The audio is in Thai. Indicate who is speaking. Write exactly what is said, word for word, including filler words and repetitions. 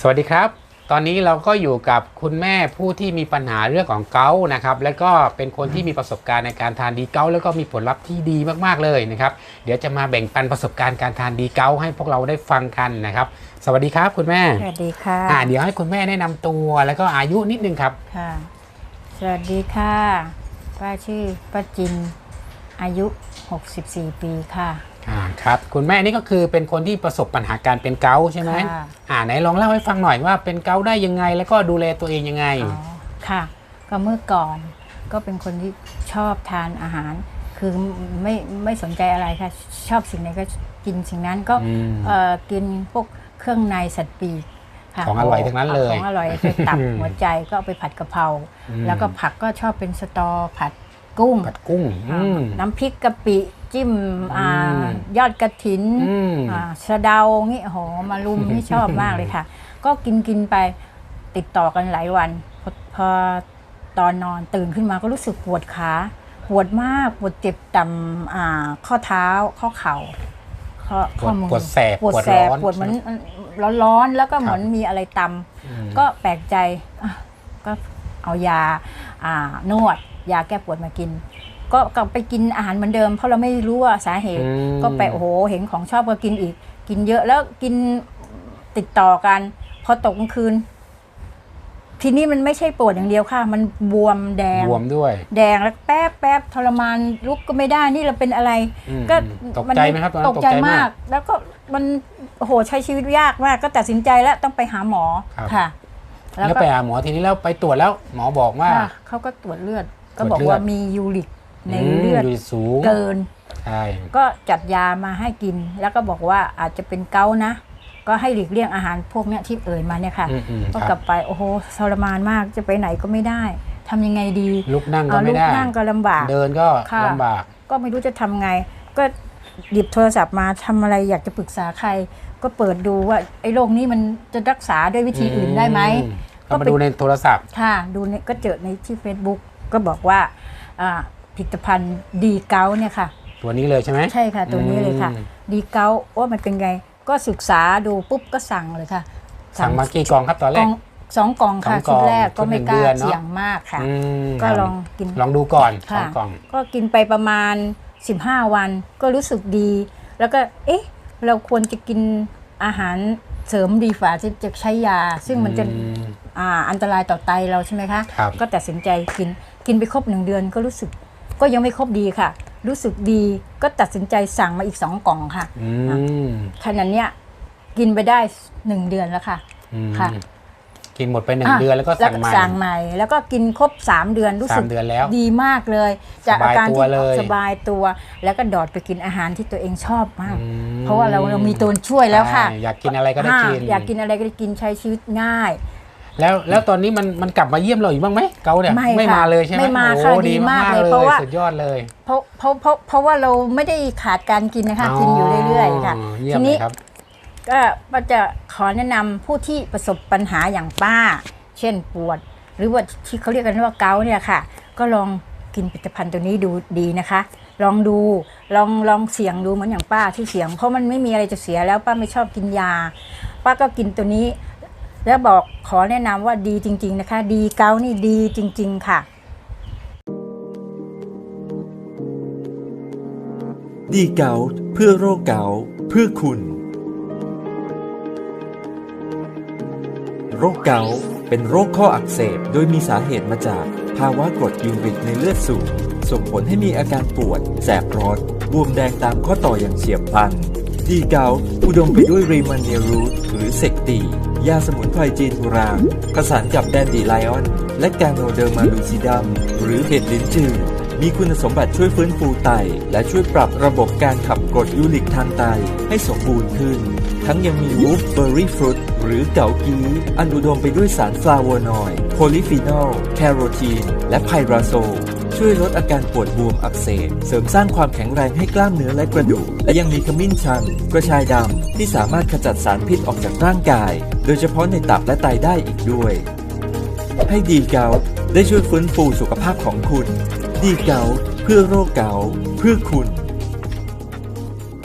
Speaker 1: สวัสดีครับตอนนี้เราก็อยู่กับคุณแม่ผู้ที่มีปัญหาเรื่องของเกาต์นะครับและก็เป็นคนที่มีประสบการณ์ในการทานดีเกาต์แล้วก็มีผลลัพธ์ที่ดีมากๆเลยนะครับเดี๋ยวจะมาแบ่งปันประสบการณ์การทานดีเกาต์ให้พวกเราได้ฟังกันนะครับสวัสดีครับคุณแม่
Speaker 2: สวัสดีค่ะ
Speaker 1: อ่าเดี๋ยวให้คุณแม่แนะนำตัวแล้วก็อายุนิดนึงครับ
Speaker 2: ค่ะสวัสดีค่ะป้าชื่อป้าจินอายุหกสิบสี่ปีค่ะ
Speaker 1: อ่าครับคุณแม่นี่ก็คือเป็นคนที่ประสบปัญหาการเป็นเกาต์ใช่ไหมอ่าไหนลองเล่าให้ฟังหน่อยว่าเป็นเกาต์ได้ยังไงแล้วก็ดูแลตัวเองยังไง
Speaker 2: อ๋อค่ะก็เมื่อก่อนก็เป็นคนที่ชอบทานอาหารคือไม่ไม่สนใจอะไรค่ะชอบสิ่งไหนก็กินสิ่งนั้นก็เอ่อกินพวกเครื่องในสัตว์ปีก
Speaker 1: ของอร่อยทั้งนั้นเลย
Speaker 2: ของอร่อยไปตับหัวใจก็เอาไปผัดกะเพราแล้วก็ผักก็ชอบเป็นสตอผัดกุ้ง
Speaker 1: ผัดกุ้ง
Speaker 2: น้ำพริกกะปิจิ้มยอดกระถินสะเดางี้โหมารุมนี่ชอบมากเลยค่ะก็กินกินไปติดต่อกันหลายวันพอพอตอนนอนตื่นขึ้นมาก็รู้สึกปวดขาปวดมากปวดเจ็บต่ำข้อเท้าข้อเข่า
Speaker 1: ข้อมือปวดแสบ
Speaker 2: ปวดแสบปวดเหมือนร้อนๆแล้วก็เหมือนมีอะไรตำก็แปลกใจก็เอายานวดยาแก้ปวดมากินก็กลับไปกินอาหารเหมือนเดิมเพราะเราไม่รู้ว่าสาเหตุก็ไปโอ้โหเห็นของชอบก็กินอีกกินเยอะแล้วกินติดต่อกันพอตกกลางคืนทีนี้มันไม่ใช่ปวดอย่างเดียวค่ะมันบวมแดง
Speaker 1: บวมด้วย
Speaker 2: แดงแล้วแป๊บแป๊บทรมานลุกก็ไม่ได้นี่เราเป็นอะไร
Speaker 1: ก็ตกใจไหมครับ
Speaker 2: ตกใจมากแล้วก็มันโอ้โหใช้ชีวิตยากมากก็ตัดสินใจแล้วต้องไปหาหมอค่ะ
Speaker 1: แล้วไปหาหมอทีนี้แล้วไปตรวจแล้วหมอบอกว่า
Speaker 2: เขาก็ตรวจเลือดก็บอกว่ามียูริกในเลือด
Speaker 1: สูง
Speaker 2: เกิน
Speaker 1: ใช่
Speaker 2: ก็จัดยามาให้กินแล้วก็บอกว่าอาจจะเป็นเกาต์นะก็ให้หลีกเลี่ยงอาหารพวกนี้ที่เอ่ยมาเนี่ยค่ะก็กลับไปโอ้โหทรมานมากจะไปไหนก็ไม่ได้ทำยังไงดี
Speaker 1: ลุกนั่งก็ไม่ได้
Speaker 2: ลุกนั่งก็ลำบาก
Speaker 1: เดินก็ลำบาก
Speaker 2: ก็ไม่รู้จะทำไงก็หยิบโทรศัพท์มาทำอะไรอยากจะปรึกษาใครก็เปิดดูว่าไอ้โรคนี้มันจะรักษาด้วยวิธีอื่นได้ไหม
Speaker 1: ก็มาดูในโทรศัพท์
Speaker 2: ค่ะดูเนี่ยก็เจอในที่ Facebook ก็บอกว่าผลิตภัณฑ์ดีเกาต์เนี่ยค่ะ
Speaker 1: ตัวนี้เลยใช่ไหม
Speaker 2: ใช่ค่ะตัวนี้เลยค่ะดีเกาต์ว่ามันเป็นไงก็ศึกษาดูปุ๊บก็สั่งเลยค่ะ
Speaker 1: สั่งมากี่กล่องครับตอนแรก
Speaker 2: สองกล่องค่ะชุดแรกก็ไม่กล้าเสี่ยงมากค่ะก็ลองกิน
Speaker 1: ลองดูก่อนสองกล่อง
Speaker 2: ก็กินไปประมาณสิบห้าวันก็รู้สึกดีแล้วก็เอ๊ะเราควรจะกินอาหารเสริมดีฝ่าที่จะใช้ยาซึ่งมันจะอ่าอันตรายต่อไตเราใช่ไหมคะก็ตัดสินใจกินกินไปครบหนึ่งเดือนก็รู้สึกก็ยังไม่ครบดีค่ะรู้สึกดีก็ตัดสินใจสั่งมาอีกสองกล่องค่ะขนาดเนี้ยกินไปได้หนึ่งเดือนแล้วค่ะค่ะ
Speaker 1: กินหมดไปหนึ่งเดือนแล้วก็สั่งใหม่
Speaker 2: สั่งใหม่แล้วก็กินครบสามเดือนรู้สึกดีมากเลยจากอาการที่สบายตัวแล้วก็ดอดไปกินอาหารที่ตัวเองชอบมากเพราะว่าเราเรามีตัวช่วยแล้วค่ะ
Speaker 1: อยากกินอะไรก็ได้กิน
Speaker 2: อยากกินอะไรก็ได้กินใช้ชีวิตง่าย
Speaker 1: แล้วแล้วตอนนี้มันมันกลับมาเยี่ยมเราอีกบ้างไหมเกาเนี่ยไม่มาเลยใช่ไหม
Speaker 2: ไม่มาค่ะดีมากเลยเพราะว่า
Speaker 1: สุดยอดเลย
Speaker 2: เพราะเพราะเพราะเพราะว่าเราไม่ได้ขาดการกินนะคะกินอยู่เรื่อยๆค่ะทีนี้ก็ป้าจะขอแนะนำผู้ที่ประสบปัญหาอย่างป้าเช่นปวดหรือว่าที่เขาเรียกกันว่าเกาต์เนี่ยค่ะก็ลองกินผลิตภัณฑ์ตัวนี้ดูดีนะคะลองดูลองลองเสี่ยงดูเหมือนอย่างป้าที่เสี่ยงเพราะมันไม่มีอะไรจะเสียแล้วป้าไม่ชอบกินยาป้าก็กินตัวนี้แล้วบอกขอแนะนำว่าดีจริงๆนะคะดีเกาต์นี่ดีจริงๆค่ะ
Speaker 3: ดีเกาต์เพื่อโรคเกาต์เพื่อคุณโรคเกาต์เป็นโรคข้ออักเสบโดยมีสาเหตุมาจากภาวะกรดยูริกในเลือดสูงส่งผลให้มีอาการปวดแสบร้อนบวมแดงตามข้อต่ออย่างเฉียบพลันดีเกาต์อุดมไปด้วยรีมันเนียรูทหรือเซกตียาสมุนไพรจีนโบราณผสานกับแดนดีไลออนและกาโนเดอร์มาลูซิดัมหรือเห็ดลิ้นจือมีคุณสมบัติช่วยฟื้นฟูไตและช่วยปรับระบบการขับกรดยูริกทางไตให้สมบูรณ์ขึ้นทั้งยังมีวูฟเบอร์รี่ฟรุตหรือเกากีอันอุดมไปด้วยสารฟลาโวนอยด์โพลีฟีนอลแคโรทีนและไพราโซลช่วยลดอาการปวดบวมอักเสบเสริมสร้างความแข็งแรงให้กล้ามเนื้อและกระดูกและยังมีขมิ้นชันกระชายดำที่สามารถขจัดสารพิษออกจากร่างกายโดยเฉพาะในตับและไตได้อีกด้วยให้ดีเกาต์ได้ช่วยฟื้นฟูสุขภาพของคุณดีเกาต์เพื่อโรคเกาต์เพื่อคุณ